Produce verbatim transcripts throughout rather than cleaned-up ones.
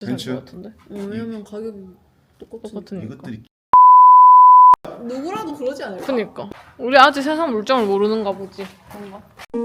벤츠? 것 같은데? 어, 왜냐면 가격이 똑같으니까. 똑같으니까. 이것들이 누구라도 그러지 않을까? 그니까 우리 아직 세상 물정을 모르는가 보지. 뭔가.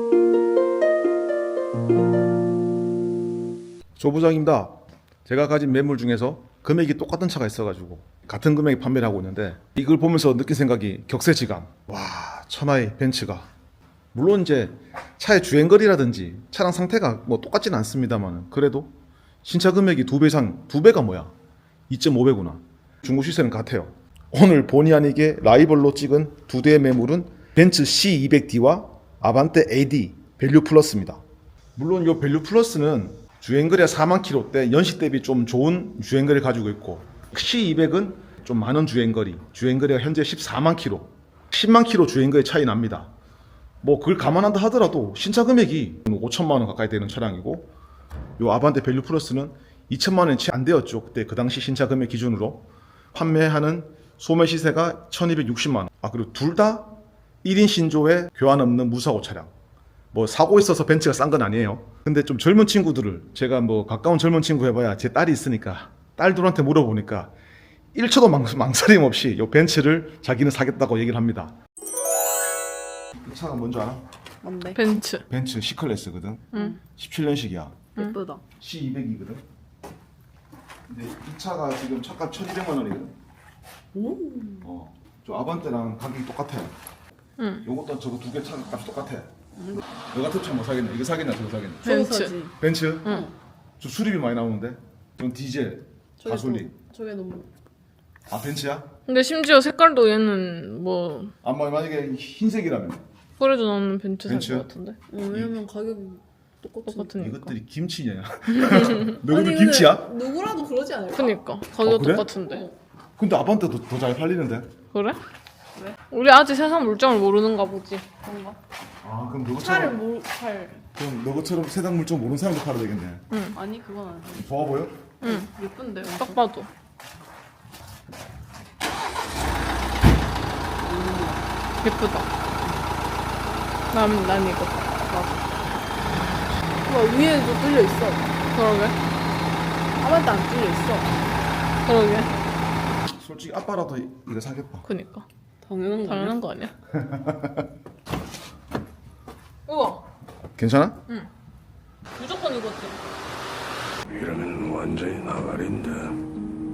조 부장입니다. 제가 가진 매물 중에서 금액이 똑같은 차가 있어가지고 같은 금액에 판매를 하고 있는데 이걸 보면서 느낀 생각이 격세지감. 와, 천하의 벤츠가 물론 이제 차의 주행거리라든지 차량 상태가 뭐 똑같지는 않습니다만 그래도 신차 금액이 두 배 이상, 두 배가 뭐야? 이점오 배구나. 중고 시세는 같아요. 오늘 본의 아니게 라이벌로 찍은 두 대의 매물은 벤츠 씨 이백 디와 아반떼 에이디 밸류 플러스입니다. 물론 이 밸류 플러스는 주행거리가 사만 킬로대 연식 대비 좀 좋은 주행거리를 가지고 있고 씨 이백은 좀 많은 주행거리, 주행거리가 현재 십사만 킬로, 십만 킬로 주행거리 차이 납니다. 뭐 그걸 감안한다 하더라도 신차 금액이 오천만 원 가까이 되는 차량이고 요 아반떼 밸류 플러스는 이천만 원이 채 안 되었죠. 그때 그 당시 신차 금액 기준으로 판매하는 소매 시세가 천이백육십만 원. 아 그리고 둘 다 일 인 신조에 교환 없는 무사고 차량. 뭐 사고 있어서 벤츠가 싼 건 아니에요. 근데 좀 젊은 친구들을 제가 뭐 가까운 젊은 친구 해봐야 제 딸이 있으니까 딸들한테 물어보니까 일 초도 망, 망설임 없이 요 벤츠를 자기는 사겠다고 얘기를 합니다. 이 차가 뭔지 알아? 뭔데? 벤츠. 벤츠 C클래스거든. 응. 십칠 년식이야. 예쁘다. 씨 이백이거든. 근데 이 차가 지금 차값 천이백만 원이거든. 오. 어. 저 아반떼랑 가격이 똑같아. 응. 요것도 저거 두 개 차 값이 똑같아. 너 같은 차 뭐 사겠냐? 이거 사겠냐? 저거 사겠냐? 벤츠. 저거지. 벤츠? 응. 저 수리비 많이 나오는데? 전 디젤, 저게 가솔린. 너- 저게 너무. 아 벤츠야? 근데 심지어 색깔도 얘는 뭐 아 뭐 만약에 흰색이라면 그래도 나는 벤츠 살 벤츠? 것 같은데. 어, 왜냐면 가격이 똑같으니까. 똑같으니까. 이것들이 김치냐? 아니, 너희들 근데 김치야? 누구라도 그러지 않을까? 그니까 가격 어, 그래? 똑같은데. 근데 아반떼도 더 잘 팔리는데? 그래? 왜? 우리 아직 세상 물정을 모르는가 보지. 뭔가. 아 그럼 차를 너처럼 뭘 팔? 그럼 너처럼 세상 물정 모르는 사람도 팔아야 되겠네. 아니 그건 아니야. 좋아 보여? 응. 예쁜데. 딱 봐도. 예쁘다. 난, 난 이거. 와 위에도 뚫려 있어. 그러게. 아반떼 안 뚫려 있어. 그러게. 솔직히 아빠라도 이거 사겠다. 그니까. 당연한 거 당연한 아니야? 거 아니야? 우와. 괜찮아? 무조건 이거지. 이러면 완전히 나발인데.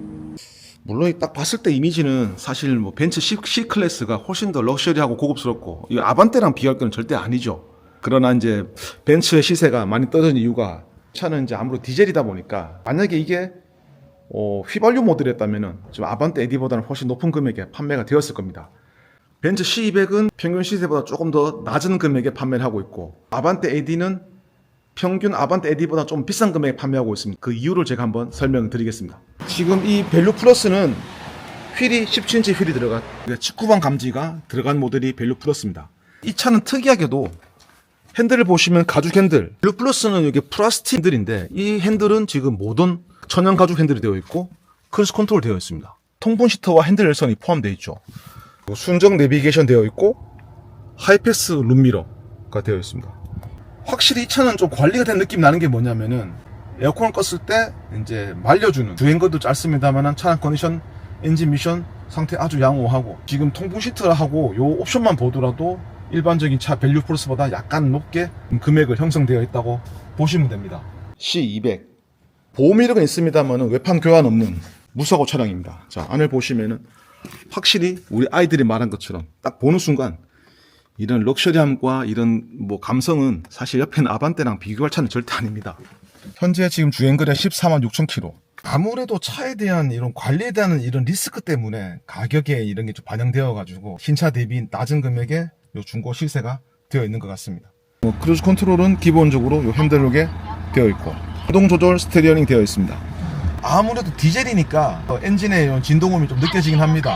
물론 딱 봤을 때 이미지는 사실 뭐 벤츠 C, C 클래스가 훨씬 더 럭셔리하고 고급스럽고 이 아반떼랑 비교할 건 절대 아니죠. 그러나 이제 벤츠의 시세가 많이 떨어진 이유가 차는 이제 아무래도 디젤이다 보니까 만약에 이게 어, 휘발유 모델이었다면은 지금 아반떼 에디보다는 훨씬 높은 금액에 판매가 되었을 겁니다. 벤츠 씨 이백은 평균 시세보다 조금 더 낮은 금액에 판매를 하고 있고 아반떼 에디는 평균 아반떼 에디보다 좀 비싼 금액에 판매하고 있습니다. 그 이유를 제가 한번 설명드리겠습니다. 지금 이 밸류 플러스는 휠이 십칠 인치 휠이 들어간 십구 번 감지가 들어간 모델이 밸류 플러스입니다. 이 차는 특이하게도 핸들을 보시면 가죽 핸들. 밸류 플러스는 이게 플라스틱 핸들인데 이 핸들은 지금 모던 천연 가죽 핸들이 되어 있고 크루즈 컨트롤 되어 있습니다. 통풍 시트와 핸들 열선이 포함되어 있죠. 순정 내비게이션 되어 있고 하이패스 룸미러가 되어 있습니다. 확실히 이 차는 좀 관리가 된 느낌 나는 게 뭐냐면은 에어컨을 껐을 때 이제 말려주는 주행거리도 짧습니다만은 차량 컨디션, 엔진 미션 상태 아주 양호하고 지금 통풍 시트하고 요 옵션만 보더라도 일반적인 차 밸류 플러스보다 약간 높게 금액을 형성되어 있다고 보시면 됩니다. 씨 이백 보험 이력은 있습니다만은 외판 교환 없는 무사고 차량입니다. 자 안을 보시면은 확실히 우리 아이들이 말한 것처럼 딱 보는 순간 이런 럭셔리함과 이런 뭐 감성은 사실 옆에는 아반떼랑 비교할 차는 절대 아닙니다. 현재 지금 주행거리가 십사만 육천 킬로. 아무래도 차에 대한 이런 관리에 대한 이런 리스크 때문에 가격에 이런 게 좀 반영되어 가지고 신차 대비 낮은 금액에 요 중고 시세가 되어 있는 것 같습니다. 뭐 크루즈 컨트롤은 기본적으로 요 핸들룩에 되어 있고 자동 조절 스테리어링 되어 있습니다. 아무래도 디젤이니까 엔진의 진동음이 좀 느껴지긴 합니다.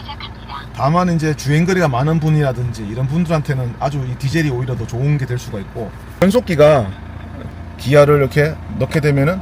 다만 이제 주행거리가 많은 분이라든지 이런 분들한테는 아주 이 디젤이 오히려 더 좋은 게 될 수가 있고 변속기가 기아를 이렇게 넣게 되면은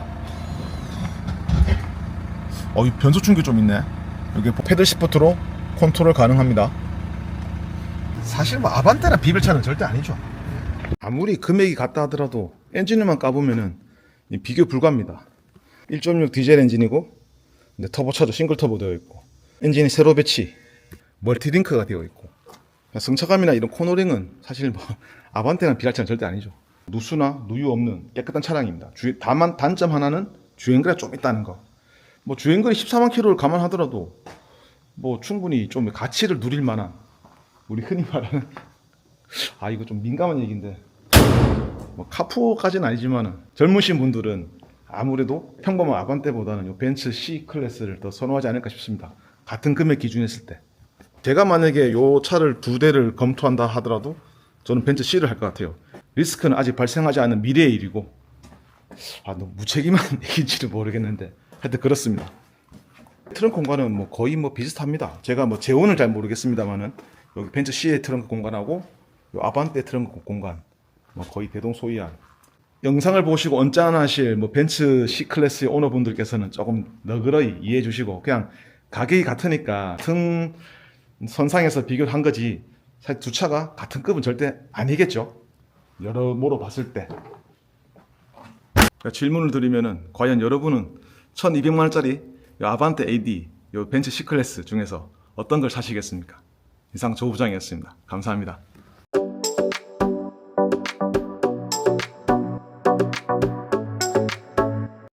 어, 이 변속 충격이 좀 있네. 여기 패들 시프트로 컨트롤 가능합니다. 사실 뭐 아반떼나 비빌 차는 절대 아니죠. 아무리 금액이 같다 하더라도 엔진을만 까보면은 비교 불가합니다. 일 점 육 디젤 엔진이고 근데 터보차저 싱글 터보 되어 있고 엔진이 세로 배치 멀티링크가 되어 있고 승차감이나 이런 코너링은 사실 뭐 아반떼랑 비할 차는 절대 아니죠. 누수나 누유 없는 깨끗한 차량입니다. 주, 다만 단점 하나는 주행거리가 좀 있다는 거. 뭐 주행거리 십사만 킬로미터를 감안하더라도 뭐 충분히 좀 가치를 누릴 만한 우리 흔히 말하는 아 이거 좀 민감한 얘기인데 뭐 카푸어까지는 아니지만은 젊으신 분들은 아무래도 평범한 아반떼보다는 요 벤츠 C 클래스를 더 선호하지 않을까 싶습니다. 같은 금액 기준했을 때 제가 만약에 요 차를 두 대를 검토한다 하더라도 저는 벤츠 C를 할 것 같아요. 리스크는 아직 발생하지 않은 미래의 일이고 아 너무 무책임한 얘기인지는 모르겠는데 하여튼 그렇습니다. 트렁크 공간은 뭐 거의 뭐 비슷합니다. 제가 뭐 재원을 잘 모르겠습니다만은 여기 벤츠 C의 트렁크 공간하고 요 아반떼 트렁크 공간 뭐 거의 대동소이한. 영상을 보시고 언짢아하실 뭐 벤츠 C 클래스의 오너분들께서는 조금 너그러이 이해해 주시고 그냥 가격이 같으니까 등 선상에서 비교를 한 거지 사실 두 차가 같은 급은 절대 아니겠죠. 여러모로 봤을 때. 질문을 드리면은 과연 여러분은 천이백만 원짜리 요 아반떼 에이디 요 벤츠 C 클래스 중에서 어떤 걸 사시겠습니까? 이상 조 부장이었습니다. 감사합니다.